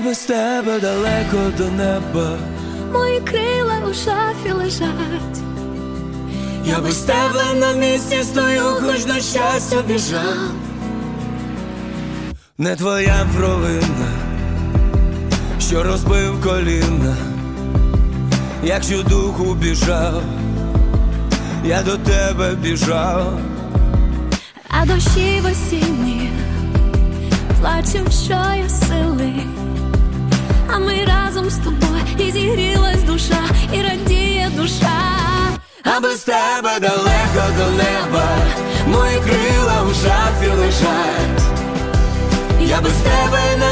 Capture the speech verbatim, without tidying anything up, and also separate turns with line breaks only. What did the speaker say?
без тебе далеко до неба,
мої крила у шафі лежать.
я без тебе на місці стою, хоч на щастя біжав. Не твоя провина, що розбив коліна, якщо духу біжав, я до тебе біжав.
А дощі в осінні плачем щосили, а ми разом з тобою, і зігрілась душа, і радіє душа.
А без тебе далеко до неба, мої крила у шафі лежать. Я без тебе на